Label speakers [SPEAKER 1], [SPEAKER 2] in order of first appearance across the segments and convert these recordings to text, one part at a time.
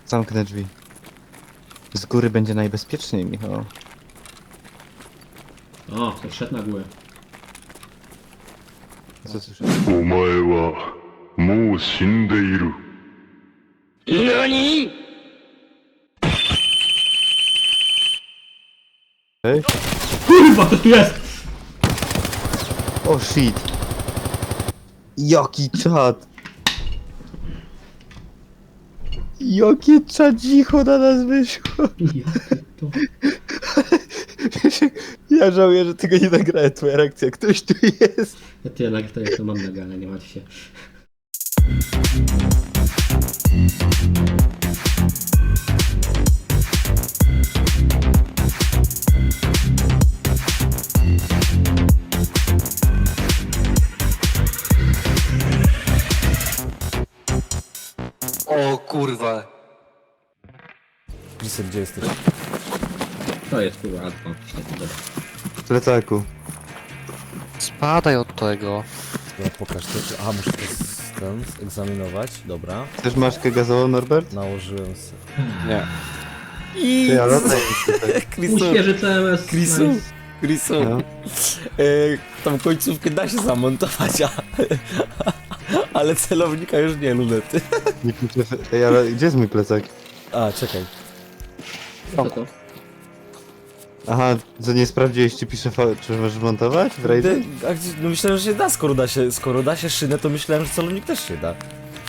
[SPEAKER 1] Zamknę drzwi. Z góry będzie najbezpieczniej, Michał.
[SPEAKER 2] O, to wszedł na górę.
[SPEAKER 1] Co słyszysz?
[SPEAKER 3] お前はもう死んでいる。
[SPEAKER 1] Ej?
[SPEAKER 2] Kurwa, to tu jest!
[SPEAKER 1] O shit! Jaki czad! Jakie czadzicho na nas wyszło!
[SPEAKER 2] To...
[SPEAKER 1] Ja żałuję, że tego nie nagrałem, twoja reakcja. Ktoś tu jest!
[SPEAKER 2] Ja to mam nagrane, nie martw się.
[SPEAKER 4] O kurwa.
[SPEAKER 5] Lisek, gdzie jesteś?
[SPEAKER 2] To jest kurwa, o, świetnie, dobra.
[SPEAKER 1] W plecaku.
[SPEAKER 4] Spadaj od tego.
[SPEAKER 5] No, pokaż to. Aha, muszę to egzaminować. Dobra.
[SPEAKER 1] Chcesz maszkę gazową, Norbert?
[SPEAKER 5] Nałożyłem sobie.
[SPEAKER 4] Nie.
[SPEAKER 5] I...
[SPEAKER 1] Ty, ale tutaj.
[SPEAKER 2] Uświeży CMS.
[SPEAKER 5] Chrisu,
[SPEAKER 2] Nice.
[SPEAKER 5] Chrisu,
[SPEAKER 1] No.
[SPEAKER 5] tą końcówkę da się zamontować, ale celownika już nie, lunety.
[SPEAKER 1] Ej, ale gdzie jest mój plecak?
[SPEAKER 5] A, czekaj.
[SPEAKER 2] Co to?
[SPEAKER 1] Aha, co nie sprawdziłeś, czy pisze czy możesz montować w rajdzie?
[SPEAKER 5] No myślałem, że się da, skoro da się szynę, to myślałem, że celownik też się da.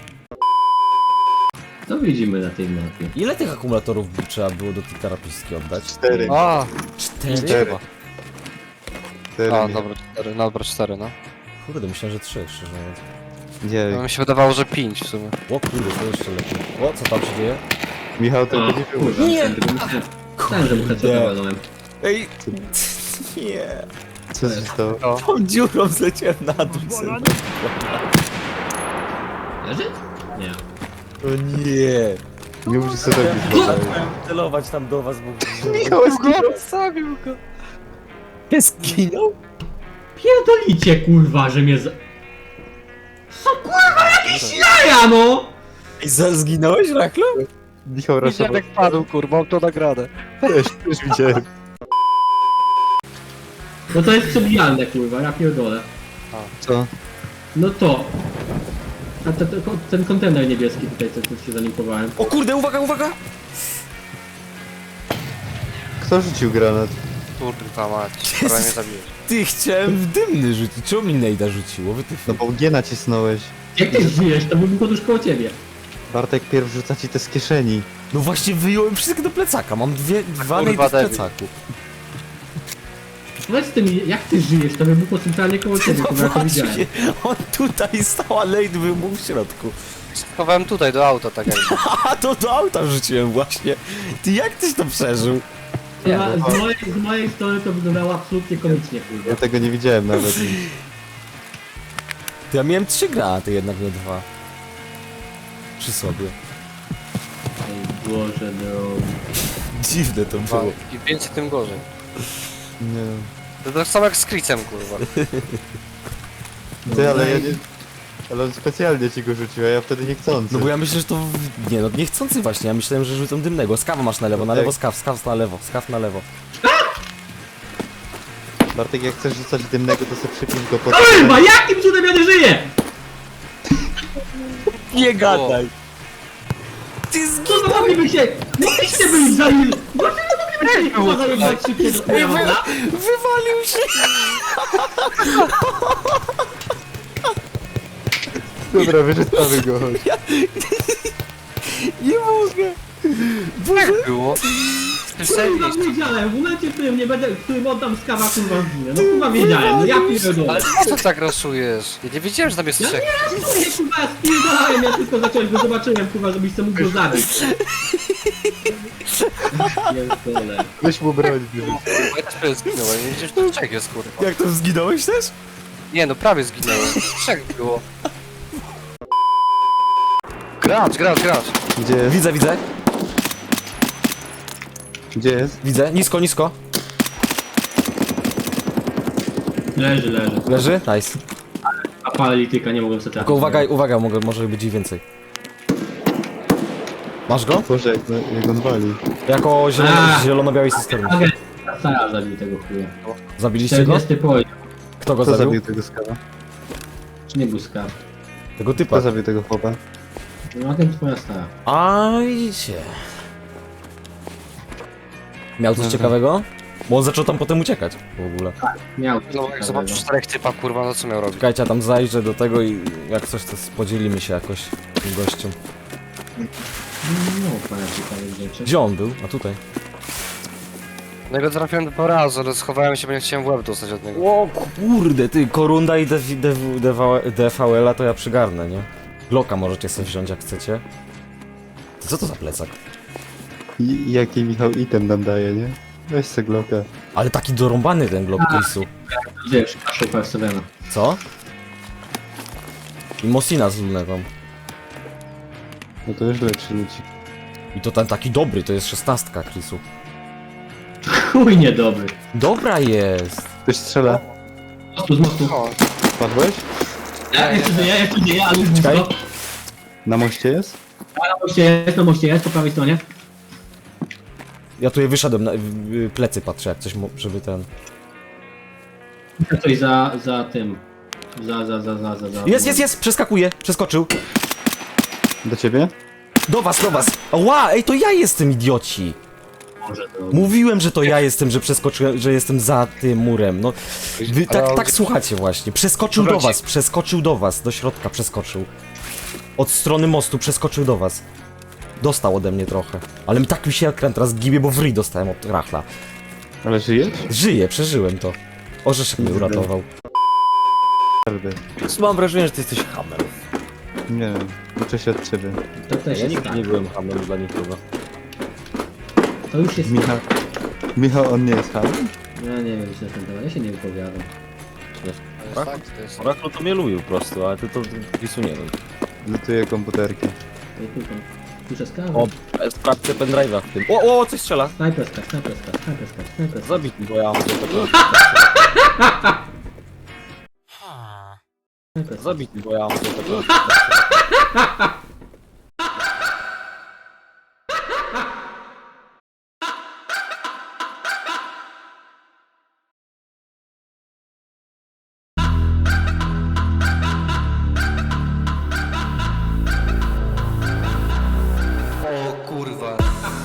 [SPEAKER 2] Co widzimy na tej mapie?
[SPEAKER 5] Ile tych akumulatorów trzeba było do tej terapiski oddać?
[SPEAKER 1] 4.
[SPEAKER 4] A,
[SPEAKER 5] 4?
[SPEAKER 1] 4.
[SPEAKER 4] a dobra, 4, no dobra, 4, no.
[SPEAKER 5] Kurde, myślałem, że 3, szczerze mówiąc.
[SPEAKER 1] Nie,
[SPEAKER 4] No mi się wydawało, że 5 w sumie.
[SPEAKER 5] O kurde, to jeszcze lepiej. O, co tam się dzieje?
[SPEAKER 1] Michał, to
[SPEAKER 2] A,
[SPEAKER 1] będzie było.
[SPEAKER 2] kurwa,
[SPEAKER 5] Nie!
[SPEAKER 2] Myślałem, że mu headshota walnąłem.
[SPEAKER 5] Ej, nie.
[SPEAKER 1] Co się stało?
[SPEAKER 5] Tą dziurą zleciałem na dół.
[SPEAKER 2] Leży? Nie.
[SPEAKER 5] O nie.
[SPEAKER 1] Nie musisz sobie robić.
[SPEAKER 5] Chciałem celować tam do was, bo...
[SPEAKER 1] Michał,
[SPEAKER 4] Zabił go.
[SPEAKER 5] Zginął?
[SPEAKER 2] Pierdolicie kurwa, że mnie Co kurwa, jakieś jaja no!
[SPEAKER 5] I zginąłeś, Rachlu?
[SPEAKER 1] Michał raszował.
[SPEAKER 4] Widziałem jak padł, kurwa, mam to nagrane.
[SPEAKER 1] Też widziałem.
[SPEAKER 2] No to jest przebijalne kurwa, ja pierdolę.
[SPEAKER 1] Co?
[SPEAKER 2] No to. A ten kontener niebieski tutaj, co tu się zalinkowałem.
[SPEAKER 5] O kurde, uwaga, uwaga!
[SPEAKER 1] Kto rzucił granat?
[SPEAKER 4] Kurwa mać, prawie mnie zabiłeś.
[SPEAKER 5] Ty, chciałem w dymny rzucić. Czemu mi Nejda rzuciło? Wy ty...
[SPEAKER 1] No bo G nacisnąłeś.
[SPEAKER 2] Jak ty żyjesz, to byłbym go tuż koło ciebie.
[SPEAKER 1] Bartek pierw rzuca ci te z kieszeni.
[SPEAKER 5] No właśnie wyjąłem wszystko do plecaka. Mam dwa
[SPEAKER 4] Kurwa,
[SPEAKER 5] Nejdy w
[SPEAKER 4] debil.
[SPEAKER 5] plecaku.
[SPEAKER 2] Powiedz ty mi, jak ty żyjesz, to bym był centralnie koło ciebie,
[SPEAKER 5] No
[SPEAKER 2] kurwa, ja to widziałem.
[SPEAKER 5] właśnie, on tutaj stał, a Nejd był w środku.
[SPEAKER 4] Schowałem tutaj do auta, tak jak.
[SPEAKER 5] A to do auta rzuciłem właśnie. Ty, jak tyś to przeżył?
[SPEAKER 2] Z mojej strony to wyglądało absolutnie komicznie, kurwa.
[SPEAKER 1] Ja tego nie widziałem nawet.
[SPEAKER 5] To ja miałem 3 granaty, jednak nie 2. Przy sobie.
[SPEAKER 2] Ej, Boże, no.
[SPEAKER 5] Dziwne to było.
[SPEAKER 4] Im więcej, tym gorzej.
[SPEAKER 1] Nie.
[SPEAKER 4] To tak samo jak z Chrisem, kurwa.
[SPEAKER 1] Ty, ale ja nie... Ale on specjalnie ci go rzucił, a ja wtedy niechcący.
[SPEAKER 5] No bo ja myślę, że to... Nie no, niechcący właśnie, ja myślałem, że rzucą dymnego. Skawa masz na lewo, skaw na lewo, skaw na lewo.
[SPEAKER 1] Bartek, jak chcesz rzucać dymnego, to sobie przypisz go pod...
[SPEAKER 2] Kurwa, jakim cudem ja nie żyję?
[SPEAKER 5] Nie gadaj! Ty
[SPEAKER 2] Co to mogliby się... Mogliście byli zajęli... Dlaczego mogliby się kurwa zajebać szybciej do chuja, dobra?
[SPEAKER 5] Wywalił się!
[SPEAKER 1] Dobra, wyrzucamy go, chodź.
[SPEAKER 5] Nie mogę!
[SPEAKER 4] Jak było?
[SPEAKER 2] Kurwa, wiedziałem, w momencie, w którym nie będę... W którym oddam skawa, kurwa zginę. No kurwa wiedziałem, no ja pierdolę.
[SPEAKER 4] Ale po co tak rasujesz? Ja nie wiedziałem, że tam jest
[SPEAKER 2] Ja
[SPEAKER 4] trzech.
[SPEAKER 2] nie rasuję, kurwa, ja spierdolałem, ja tylko zacząłem go zobaczyłem, kurwa, żebyś sobie mógł go zabić. Pierdolę.
[SPEAKER 1] Weź mu broń, wyrzuć.
[SPEAKER 4] Bo ja też prawie zginąłem, nie wiedziałem, że to trzech jest, kurwa.
[SPEAKER 5] Jak to zginąłeś też?
[SPEAKER 4] Nie no, prawie zginąłem. Trzech było. Gracz.
[SPEAKER 1] Gdzie jest?
[SPEAKER 5] Widzę.
[SPEAKER 1] Gdzie jest?
[SPEAKER 5] Widzę, nisko.
[SPEAKER 2] Leży.
[SPEAKER 5] Leży? Nice.
[SPEAKER 2] A paralityka nie mogłem sobie trafić.
[SPEAKER 5] Tylko uwaga, może być ich więcej. Masz go?
[SPEAKER 1] Boże, jak on wali.
[SPEAKER 5] Jako
[SPEAKER 2] A.
[SPEAKER 5] zielono-białej cysterny.
[SPEAKER 2] Agent Stara zabił tego chuja.
[SPEAKER 5] Zabiliście go?
[SPEAKER 2] 40 poziom.
[SPEAKER 5] Kto go
[SPEAKER 1] Kto
[SPEAKER 5] zabił?
[SPEAKER 1] zabił tego skawa?
[SPEAKER 2] Czy nie był skaw?
[SPEAKER 5] Tego typa.
[SPEAKER 1] Kto zabił tego chłopa?
[SPEAKER 2] No agent twoja stara.
[SPEAKER 5] A widzicie. Miał coś ciekawego? Bo on zaczął tam potem uciekać w ogóle.
[SPEAKER 2] Miał.
[SPEAKER 4] No jak zobaczył 4 typa, kurwa, no co miał robić?
[SPEAKER 5] Czekajcie, ja tam zajrzę do tego i jak coś to podzielimy się jakoś tym gościem.
[SPEAKER 2] No, pana ciekawych rzeczy.
[SPEAKER 5] Gdzie on był? A tutaj.
[SPEAKER 4] No go trafiłem 2 razy, ale schowałem się, bo nie chciałem w łeb dostać od niego.
[SPEAKER 5] O kurde, ty, Korunda i DVL-a to ja przygarnę, nie? Glocka możecie sobie wziąć jak chcecie. Ty, co to za plecak?
[SPEAKER 1] I jaki Michał item nam daje, nie? Weź se Glocka.
[SPEAKER 5] Ale taki dorąbany ten Glock case'u.
[SPEAKER 2] Wiesz, kaszu Persevena.
[SPEAKER 5] Co? I Mosina z lunetą.
[SPEAKER 1] No to już lepszy ludzi.
[SPEAKER 5] I to ten taki dobry, to jest 16 Chrisu.
[SPEAKER 2] Chuj niedobry.
[SPEAKER 5] Dobra jest!
[SPEAKER 1] Ktoś strzela.
[SPEAKER 2] Z mostu.
[SPEAKER 4] O,
[SPEAKER 1] Padłeś?
[SPEAKER 2] Ja jeszcze żyję, ale już
[SPEAKER 5] Czekaj.
[SPEAKER 2] blisko.
[SPEAKER 1] Na moście jest?
[SPEAKER 2] Na moście jest, po prawej stronie.
[SPEAKER 5] Ja tu je wyszedłem, na plecy patrzę jak coś, żeby ten...
[SPEAKER 2] Widzę coś za tym.
[SPEAKER 5] Jest! Przeskakuje! Przeskoczył!
[SPEAKER 1] Do ciebie?
[SPEAKER 5] Do was! Ła! Ej, to ja jestem, idioci!
[SPEAKER 2] Może to...
[SPEAKER 5] Mówiłem, że to ja jestem, że przeskoczyłem, że jestem za tym murem. No, wy
[SPEAKER 4] Ale on
[SPEAKER 5] tak
[SPEAKER 4] gdzie-
[SPEAKER 5] słuchacie właśnie. Przeskoczył do was, do środka przeskoczył. Od strony mostu przeskoczył do was. Dostał ode mnie trochę. Ale tak mi się ekran teraz gibie, bo w ryj dostałem od rachla.
[SPEAKER 1] Ale żyjesz?
[SPEAKER 5] Żyję, przeżyłem to. Orzeszek mnie uratował.
[SPEAKER 1] Prawda.
[SPEAKER 5] Mam wrażenie, że ty jesteś hamem.
[SPEAKER 1] Nie wiem. Uczę się od ciebie.
[SPEAKER 2] To też
[SPEAKER 5] Ja
[SPEAKER 2] jest
[SPEAKER 5] nigdy
[SPEAKER 2] tak.
[SPEAKER 5] nie byłem hamem dla nikogo.
[SPEAKER 2] To już jest
[SPEAKER 1] Michał... Michał, on nie jest hamem?
[SPEAKER 2] Ja nie wiem, co ten temat. Ja się nie wypowiadam.
[SPEAKER 4] to jest fakt, to jest...
[SPEAKER 5] Oraklu to mnie lubił po prostu, ale ty to Chrisu nie wiem.
[SPEAKER 1] Lutuję komputerki.
[SPEAKER 2] Słyszę skawę.
[SPEAKER 5] O, sprawdźcie pendrive'a w tym. O, coś strzela!
[SPEAKER 2] Snajperska.
[SPEAKER 5] Zabić mi, bo ja mam tego. Zabić mi, bo ja mam tego.
[SPEAKER 4] O kurwa.